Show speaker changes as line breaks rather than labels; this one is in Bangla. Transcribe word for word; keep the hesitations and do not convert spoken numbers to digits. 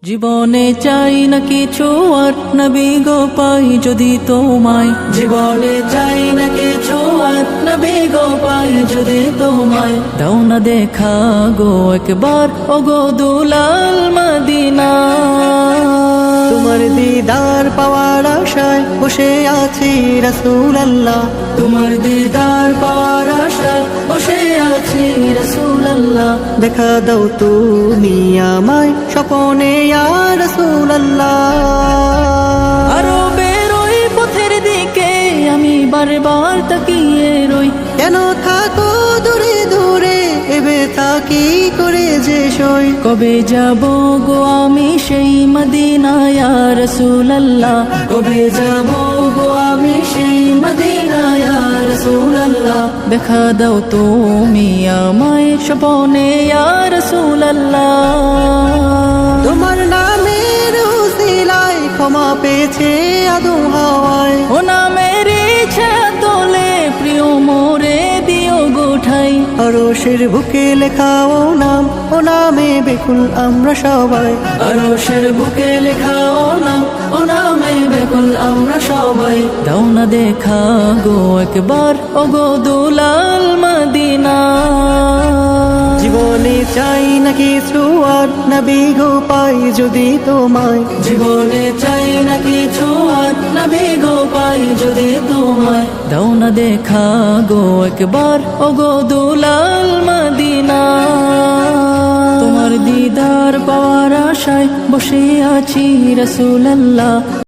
জীবনে চাই না কিছু আর নবী গো পাই যদি তোমায়। জীবনে চাই না কিছু আর নবী গো পাই যদি তোমায়। দাও না দেখা গো একবার ও গো দুলাল মদিনা।
তোমার দিদার পাওয়ার আশায় বসে আছি রাসূলুল্লাহ।
তোমার দিদার পাওয়ার আশায় বসে আছি রাসূলুল্লাহ।
দেখা দাও তুমি আমায় স্বপনে ইয়া রাসূলুল্লাহ।
আরো বেরোই পথের দিকে আমি বারবার তাকিয়ে রই।
কেন থাকো দূরে দূরে এবে থাকি করে যে সই।
কবে যাব গো আমি সেই মদিনা ইয়া রাসূলুল্লাহ। কবে যাব গো আমি সেই মদিনা ইয়া রাসূলুল্লাহ। দেখা দাও তুমি আমায় স্বপনে ইয়া রাসূলুল্লাহ।
তোমার নামের উসিলায় ক্ষমা পেয়েছে আদম হাওয়ায়।
ও নামের ইচ্ছা তোলে প্রিয় মোরে দিও গোঠাই।
আরশের বুকে লেখা ও নাম, ও নামে বেকুল আমরা সবাই।
আরশের বুকে লেখা ও নাম, ও নামে বেকুল আমরা সবাই। দাও না দেখা গো একবার ও গো দুলাল মদিনা।
জীবনে চাই না কিছু আর নবী গো পাই যদি তোমায়।
জীবনে চাই না কিছু আর নবী গো পাই যদি তোমায়। দাও না দেখা গো একবার ও গো দুলাল মদিনা। তোমার দিদার পাওয়ার আশায় বসে আছি রাসূলুল্লাহ।